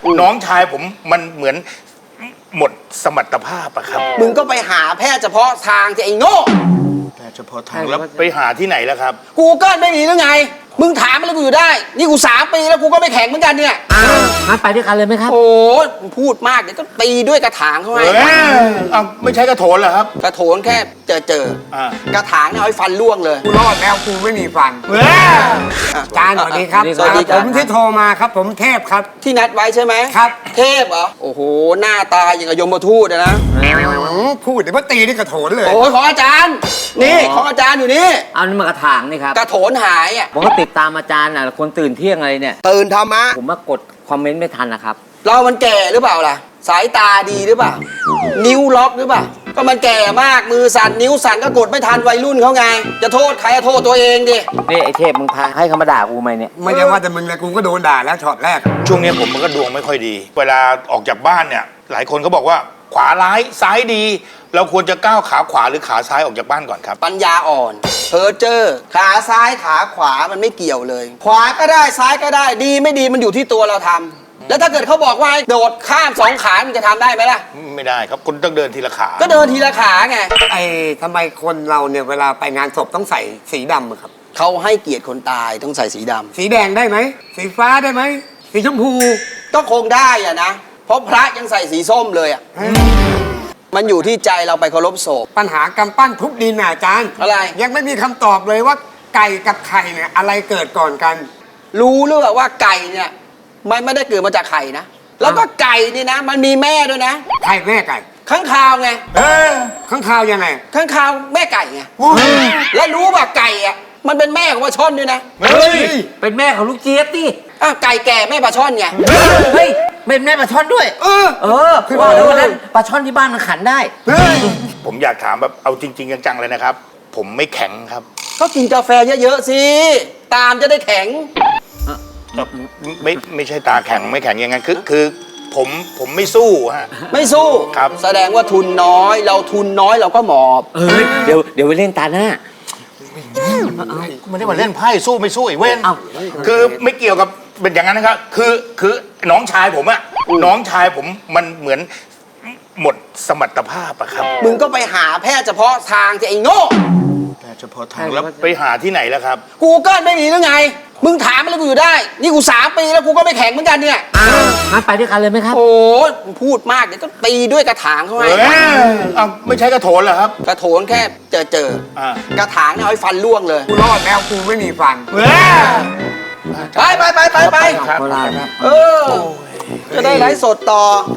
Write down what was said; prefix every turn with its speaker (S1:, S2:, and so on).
S1: น้องชายผมมันเหมือนหมดสมรรถภาพอะครับ
S2: มึงก็ไปหาแพทย์เฉพาะทางจะไอ้โง่
S1: แต่เฉพาะทางแล้วไปหาที่ไหนแล้วครับ
S2: Google ไม่มีหรือไง มึงถามอะไรกูอยู่ได้ นี่กู3 ปีแล้วกูก็ไม่แข็งเหมือนกันเนี่ย
S3: งั้นไปด้วยกันเลยไหมครับ
S2: โอ้พูดมากเดี๋ยวก็ตีด้วยกระถางเขาให้
S1: เอาไม่ใช่กระโถนเหรอครับ
S2: กระโถนแค่เจอ
S1: อ่า
S2: กระถางเนี่ยเอาให้ฟันล่วงเลย
S4: กูรอดแล้วกูไม่มีฟันอาจารย์สวัสดีครับ
S2: สวัสดีค
S4: ผ
S2: รับ
S4: มที่โทรมาครับ ผมเทพครับ
S2: ที่นัดไว้ใช่ไหม
S4: ครับ
S2: เทพเหรอ โอ้โห หน้าตาอย่างกับยมทูตอะนะ
S4: พูดเดี๋ยวมาตีนี่กระโถนเลย
S2: โอ้ยของอาจารย์ นี่ของอาจารย์อยู่นี่
S3: เอานี่มากระถางนี่ครับ
S2: กระโถนหายอ่ะ
S3: ผมก็ติดตามอาจารย์น่ะคนตื่นเที่ยงอะไรเนี่ย
S2: ตื่นธรรมะ
S3: ผมมากดคอมเมนต์ไม่ทันนะครับ
S2: เรามันแก่หรือเปล่าล่ะ สายตาดีหรือเปล่า นิ้วล็อกหรือเปล่า ก็มันแก่มาก มือสั่น นิ้วสั่นก็กดไม่ทันวัยรุ่นเขาไง จะโทษใครอะโทษตัวเองดิ
S3: นี่ไอ้เทพมึงพาให้เขามาด่ากูไหมเนี่ย
S4: ไม่ใช่ว่าแต่มึงเลยกูก็โดนด่าแล้วช็อตแรก
S1: ช่วงนี้ผมมันก็ดวงไม่ค่อยดี เวลาออกจากบ้านเนี่ย หลายคนก็บอกว่าขวาร้ายซ้ายดี เราควรจะก้าวขาขวาหรือขาซ้ายออกจากบ้านก่อนครับ
S2: ปัญญาอ่อน เพอเจอร์ขาซ้ายขาขวามันไม่เกี่ยวเลย ขวาก็ได้ซ้ายก็ได้ ดีไม่ดีมันอยู่ที่ตัวเราทำแล้วถ้าเกิดเขาบอกว่าให้โดดข้าม2 ขามันจะทำได้ไหมล่ะ
S1: ไม่ได้ครับคุณต้องเดินทีละขา
S2: ก็เดินทีละขาไง
S4: ไอ้ทำไมคนเราเนี่ยเวลาไปงานศพต้องใส่สีดำอะครับ
S2: เขาให้เกียรติคนตายต้องใส่สีดำ
S4: สีแดงได้ไหม สีฟ้าได้ไหม สีชมพู
S2: ก็คงได้อะนะ เพราะพระยังใส่สีส้มเลยอะมันอยู่ที่ใจเราไปเคารพศพ
S4: ปัญหากำปั้นทุบดินน่ะอาจารย์
S2: อะไร
S4: ยังไม่มีคำตอบเลยว่าไก่กับไข่เนี่ยอะไรเกิดก่อนกัน
S2: รู้หรือเปล่าว่าไก่เนี่ยมันไม่ได้เกิดมาจากไข่นะ แล้วก็ไก่นี่นะ มันมีแม่ด้วยนะ
S4: ไข่แม่ไก่
S2: ข้างคาวไง
S4: ข้างคาวยังไง
S2: ข้างคาวแม่ไก่ไงแล้วรู้ป่ะไก่อะมันเป็นแม่ของปลาช่อนด้วยนะ
S1: เฮ้ย
S3: เป็นแม่ของลูกเจี๊ยบดิ
S2: อ้าวไก่แก่แม่ปลาช่อนไง
S3: เฮ้ยเป็นแม่ปลาช่อนด้วย เออคือว่าแล้ววันนั้นปลาช่อนที่บ้านมันขันได้
S1: ผมอยากถามแบบเอาจริง ๆ จังๆเลยนะครับ ผมไม่แข็งครับ
S2: ก็กินกาแฟเยอะๆสิตามจะได้แข็ง
S1: ไม่ใช่ตาแข็งไม่แข็งอย่างนั้นคือผมไม่สู้ฮะ
S2: ไม่สู้
S1: ครับ
S2: แสดงว่าทุนน้อย เราทุนน้อยเราก็หมอบ
S3: เดี๋ยวไปเล่นตาหน้า
S1: ไม่ได้มาเล่นไพ่สู้ไม่สู้ไอ้เว้น
S3: เอ้า
S1: คือไม่เกี่ยวกับเป็นอย่างนั้นนะครับ คือน้องชายผมอะน้องชายผมมันเหมือนหมดสมรรถภาพอะครับ
S2: มึงก็ไปหาแพทย์เฉพาะทางจะไอ้โง่
S1: แต่เฉพาะทางแล้วไปหาที่ไหนแล้วครับ
S2: Google ไม่มีหรือไง มึงถามอะไรกูอยู่ได้ นี่กู3 ปีแล้วกูก็ไม่แข็งเหมือนกันเนี่ย
S3: งั้นไปด้วยกันเลยไหมครับ
S2: โอ้พูดมากเดี๋ยวก็ตีด้วยกระถางเขาให้
S1: เอาไม่ใช่กระโถนเหรอครับ
S2: กระโถนแค่เจอ
S1: อ่า
S2: กระถางเนี่ยเอาให้ฟันล่วงเลย
S4: กูรอดแล้วกูไม่มีฟัน
S2: ไป
S1: ครับ
S2: เออ จะได้ไลฟ์สดต่อ